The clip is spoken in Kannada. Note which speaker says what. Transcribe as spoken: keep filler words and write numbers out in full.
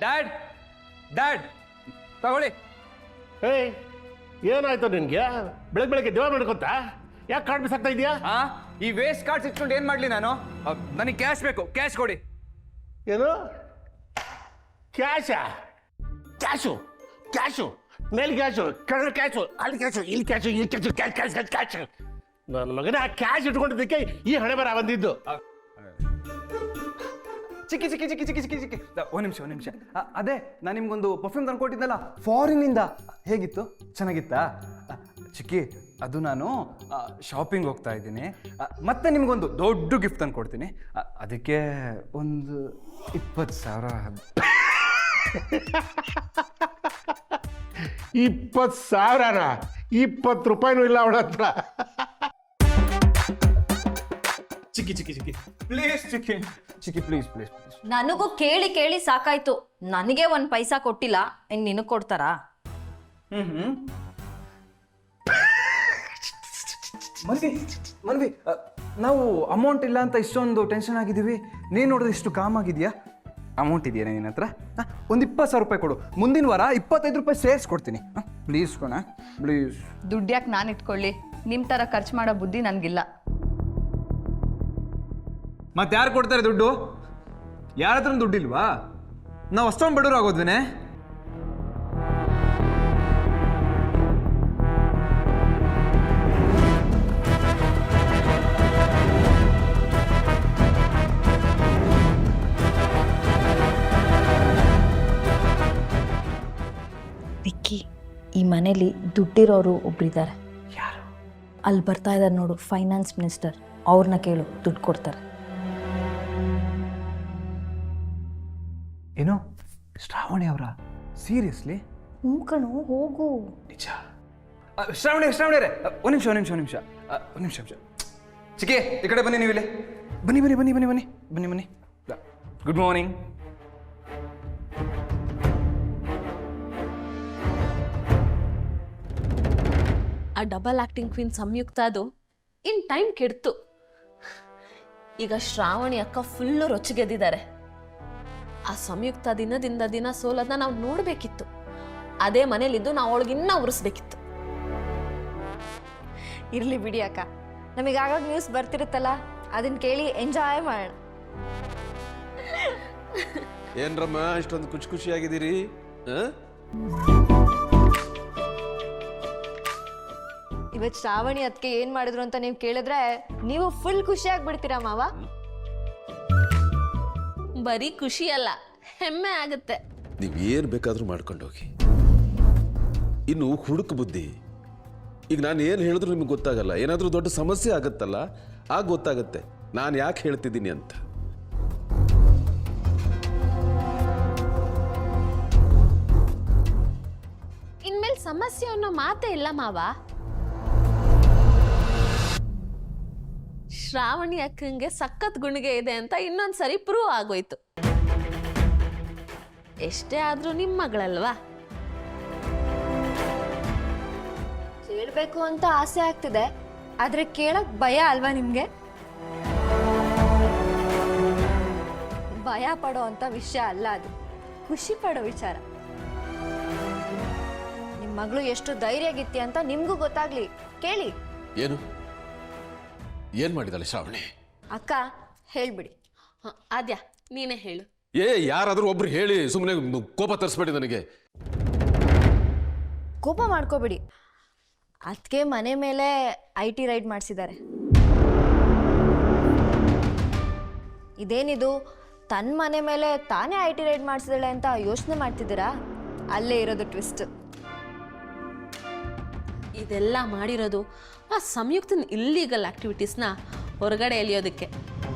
Speaker 1: ಡ್ಯಾಡ್ ಡ್ಯಾಡ್ ತಗೊಳ್ಳಿ.
Speaker 2: ಏಯ್ ಏನಾಯ್ತು ನಿನ್ಗೆ? ಬೆಳಗ್ಗೆ ಬೆಳಗ್ಗೆ ದೇವ ಮಾಡ್ಕೊತ ಯಾಕೆ ಕಾರ್ಡ್ ಮಿಸ್ ಆಗ್ತಾ ಇದೆಯಾ?
Speaker 1: ಹಾ, ಈ ವೇಸ್ಟ್ ಕಾರ್ಡ್ಸ್ ಇಟ್ಕೊಂಡು ಏನ್ ಮಾಡ್ಲಿ ನಾನು? ನನಗೆ ಕ್ಯಾಶ್ ಬೇಕು, ಕ್ಯಾಶ್ ಕೊಡಿ.
Speaker 2: ಏನು ಕ್ಯಾಶಾ? ಕ್ಯಾಶು ಕ್ಯಾಶು ಮೇಲೆ ಕ್ಯಾಶು, ಕೆಳಗೆ ಕ್ಯಾಶು, ಅಲ್ಲಿ ಕ್ಯಾಶು, ಇಲ್ಲಿ ಕ್ಯಾಶು, ಇಲ್ಲಿ cash, cash cash cash cash. ನನ್ನ ಮಗನ ಆ ಕ್ಯಾಶ್ ಇಟ್ಕೊಂಡಿದ್ದಕ್ಕೆ ಈ ಹಣೆ ಬರ ಬಂದಿದ್ದು.
Speaker 1: ಚಿಕ್ಕಿ ಚಿಕ್ಕಿ ಚಿಕ್ಕಿ ಚಿಕ್ಕಿ ಚಿಕ್ಕಿ ಚಿಕ್ಕಿ ಒಂದು ನಿಮಿಷ ಒಂದು ನಿಮಿಷ ಅದೇ ನಾನು ನಿಮ್ಗೊಂದು ಪರ್ಫ್ಯೂಮ್ ತಂದು ಕೊಟ್ಟಿದ್ದಲ್ಲ ಫಾರಿನಿಂದ, ಹೇಗಿತ್ತು? ಚೆನ್ನಾಗಿತ್ತಾ? ಚಿಕ್ಕಿ, ಅದು ನಾನು ಶಾಪಿಂಗ್ ಹೋಗ್ತಾ ಇದ್ದೀನಿ, ಮತ್ತೆ ನಿಮ್ಗೊಂದು ದೊಡ್ಡ ಗಿಫ್ಟ್ ತಂದು ಕೊಡ್ತೀನಿ. ಅದಕ್ಕೆ ಒಂದು ಇಪ್ಪತ್ತು ಸಾವಿರ.
Speaker 2: ಇಪ್ಪತ್ತು ಸಾವಿರನ? ಇಪ್ಪತ್ತು ರೂಪಾಯಿನೂ ಇಲ್ಲ ಅವಳ ಹತ್ರ.
Speaker 1: ಚಿಕ್ಕಿ ಚಿಕ್ಕಿ ಚಿಕ್ಕಿ ಪ್ಲೀಸ್, ಚಿಕ್ಕಿ ಚಿಕ್ಕಿ ಪ್ಲೀಸ್ ಪ್ಲೀಸ್ ಪ್ಲೀಸ್.
Speaker 3: ನನಗೂ ಕೇಳಿ ಕೇಳಿ ಸಾಕಾಯ್ತು. ನನಗೆ ಒಂದ್ ಪೈಸಾ ಕೊಟ್ಟಿಲ್ಲ, ಇನ್ ನಿನಗ್ ಕೊಡ್ತಾರಾ?
Speaker 1: ಹ್ಮ್ ಹ್ಮ್ ಮನ್ವಿ ಮನ್ವಿ ನಾವು ಅಮೌಂಟ್ ಇಲ್ಲ ಅಂತ ಇಷ್ಟೊಂದು ಟೆನ್ಷನ್ ಆಗಿದ್ದೀವಿ, ನೀನು ನೋಡಿದ್ರೆ ಇಷ್ಟು ಕಾಮ್ ಆಗಿದೆಯಾ? ಅಮೌಂಟ್ ಇದೆಯಾ ನಿನ್ನ ಹತ್ರ? ಒಂದು ಇಪ್ಪತ್ತು ಸಾವಿರ ರೂಪಾಯಿ ಕೊಡು, ಮುಂದಿನ ವಾರ ಇಪ್ಪತ್ತೈದು ರೂಪಾಯಿ ಸೇರಿಸ್ಕೊಡ್ತೀನಿ. Please ಕೊಣ please.
Speaker 3: ದುಡ್ಡು ಯಾಕೆ ನಾನು ಇಟ್ಕೊಳ್ಳಿ? ನಿಮ್ ತರ ಖರ್ಚು ಮಾಡೋ ಬುದ್ಧಿ ನನ್ಗಿಲ್ಲ.
Speaker 1: ಮತ್ತೆ ಯಾರು ಕೊಡ್ತಾರೆ ದುಡ್ಡು? ಯಾರ ಹತ್ರ ದುಡ್ಡಿಲ್ವಾ? ನಾವು ಅಷ್ಟೊಂದು ಬಡವರು ಆಗೋದ್ವೇನೆ?
Speaker 3: ವಿಕ್ಕಿ, ಈ ಮನೇಲಿ ದುಡ್ಡಿರೋರು ಒಬ್ರಿದ್ದಾರೆ.
Speaker 1: ಯಾರು?
Speaker 3: ಅಲ್ಲಿ ಬರ್ತಾ ಇದ್ದಾರೆ ನೋಡು, ಫೈನಾನ್ಸ್ ಮಿನಿಸ್ಟರ್. ಅವ್ರನ್ನ ಕೇಳು, ದುಡ್ಡು ಕೊಡ್ತಾರೆ.
Speaker 1: ಏನು ಶ್ರಾವಣಿ ಅವರ? ಸೀರಿಯಸ್ಲಿ?
Speaker 3: ಹ್ಞೂ ಕಣು, ಹೋಗು.
Speaker 1: ನಿಜ? ಶ್ರಾವಣಿ ಶ್ರಾವಣಿ ಅವರೇ, ಒಂದು ನಿಮಿಷ ಒಂದು ನಿಮಿಷ ಒಂದು ನಿಮಿಷ ಒಂದು ನಿಮಿಷ ನಿಮಿಷ ಚಿಕ್ಕಿ, ಈ ಕಡೆ ಬನ್ನಿ. ನೀವು ಇಲ್ಲಿ ಬನ್ನಿ ಬನ್ನಿ ಬನ್ನಿ ಬನ್ನಿ ಬನ್ನಿ ಬನ್ನಿ ಬನ್ನಿ ಗುಡ್ ಮಾರ್ನಿಂಗ್.
Speaker 4: ಆ ಡಬಲ್ ಆಕ್ಟಿಂಗ್ ಕ್ವೀನ್ ಸಂಯುಕ್ತ ಅದು ಇನ್ ಟೈಮ್ ಕೆಡ್ತು. ಈಗ ಶ್ರಾವಣಿ ಅಕ್ಕ ಫುಲ್ಲು ರೊಚ್ಚಿಗೆದ್ದಿದ್ದಾರೆ. ಆ ಸಂಯುಕ್ತ ದಿನದಿಂದ ದಿನ ಸೋಲೋದನ್ನ ನಾವು ನೋಡ್ಬೇಕಿತ್ತು. ಅದೇ ಮನೇಲಿದ್ದು ನಾವು ಅವಳಿಗೆ ಇನ್ನ ಉರಿಸ್ಬೇಕಿತ್ತು.
Speaker 3: ಇರ್ಲಿ ಬಿಡಿ ಅಕ್ಕ, ನಮಗೆ ಆಗಾಗ ನ್ಯೂಸ್ ಬರ್ತಿರುತ್ತಲ್ಲ, ಅದನ್ನ ಕೇಳಿ ಎಂಜಾಯ್ ಮಾಡೋಣ.
Speaker 5: ಏನ್ರಮ್ಮ ಇಷ್ಟೊಂದು ಖುಷಿ ಖುಷಿಯಾಗಿದ್ದೀರಿ?
Speaker 3: ಇವತ್ತು ಶ್ರಾವಣಿ ಅದಕ್ಕೆ ಏನ್ ಮಾಡಿದ್ರು ಅಂತ ನೀವು ಕೇಳಿದ್ರೆ ನೀವು ಫುಲ್ ಖುಷಿ ಆಗ್ಬಿಡ್ತೀರಾ ಮಾವ.
Speaker 4: ಬರೀ ಖುಷಿ ಅಲ್ಲ, ಹೆಮ್ಮೆ ಆಗುತ್ತೆ.
Speaker 5: ನೀವ್ ಏನ್ ಬೇಕಾದ್ರೂ ಮಾಡ್ಕೊಂಡೋಗಿ. ಇನ್ನು ಹುಡುಕು ಬುದ್ಧಿ. ಈಗ ನಾನು ಏನು ಹೇಳಿದ್ರು ನಿಮ್ಗೆ ಗೊತ್ತಾಗಲ್ಲ. ಏನಾದರೂ ದೊಡ್ಡ ಸಮಸ್ಯೆ ಆಗುತ್ತಲ್ಲ, ಆಗ ಗೊತ್ತಾಗುತ್ತೆ ನಾನು ಯಾಕೆ ಹೇಳ್ತಿದ್ದೀನಿ ಅಂತ.
Speaker 4: ಇನ್ಮೇಲೆ ಸಮಸ್ಯೆ ಅನ್ನೋ ಮಾತೇ ಇಲ್ಲ ಮಾವ. ಶ್ರಾವಣಿ ಅಕ್ಕಂಗೆ ಸಖತ್ ಗುಣಿಗೆ ಇದೆ ಅಂತ ಇನ್ನೊಂದ್ಸರಿ ಪ್ರೂವ್ ಆಗೋಯ್ತು. ಎಷ್ಟೇ ಆದ್ರೂ ನಿಮ್ಮ ಮಗಳಲ್ವಾ?
Speaker 3: ಕೇಳ್ಬೇಕು ಅಂತ ಆಸೆ ಆಗ್ತಿದೆ, ಆದ್ರೆ ಕೇಳಕ್ ಭಯ ಅಲ್ವಾ ನಿಮ್ಗೆ? ಭಯ ಪಡೋ ಅಂತ ವಿಷಯ ಅಲ್ಲ ಅದು, ಖುಷಿ ಪಡೋ ವಿಚಾರ. ನಿಮ್ ಮಗಳು ಎಷ್ಟು ಧೈರ್ಯಗಿತ್ತಿ ಅಂತ ನಿಮ್ಗೂ ಗೊತ್ತಾಗ್ಲಿ, ಕೇಳಿ.
Speaker 5: ಏನು ಏನ್ ಮಾಡಿದಾಳೆ ಶ್ರಾವಣಿ?
Speaker 3: ಅಕ್ಕ ಹೇಳ್ಬಿಡಿ.
Speaker 4: ಆದ್ಯಾ ನೀನೇ ಹೇಳು.
Speaker 5: ಏ ಯಾರಾದ್ರೂ ಒಬ್ರು ಹೇಳಿ, ಸುಮ್ಮನೆ ಕೋಪ ತರಿಸ್ಬೇಡಿ ನನಗೆ.
Speaker 3: ಕೋಪ ಮಾಡ್ಕೋಬಿಡಿ. ಅದಕ್ಕೆ ಮನೆ ಮೇಲೆ ಐ ಟಿ ರೈಡ್ ಮಾಡಿಸಿದ್ದಾರೆ. ಇದೇನಿದು, ತನ್ನ ಮನೆ ಮೇಲೆ ತಾನೇ ಐ ಟಿ ರೈಡ್ ಮಾಡಿಸಿದಾಳೆ ಅಂತ ಯೋಚನೆ ಮಾಡ್ತಿದ್ದೀರಾ? ಅಲ್ಲೇ ಇರೋದು ಟ್ವಿಸ್ಟ್.
Speaker 4: ಇದೆಲ್ಲ ಮಾಡಿರೋದು ಆ ಸಂಯುಕ್ತನ ಇಲ್ಲೀಗಲ್ ಆಕ್ಟಿವಿಟೀಸ್ನ ಹೊರಗಡೆ ಎಳೆಯೋದಕ್ಕೆ.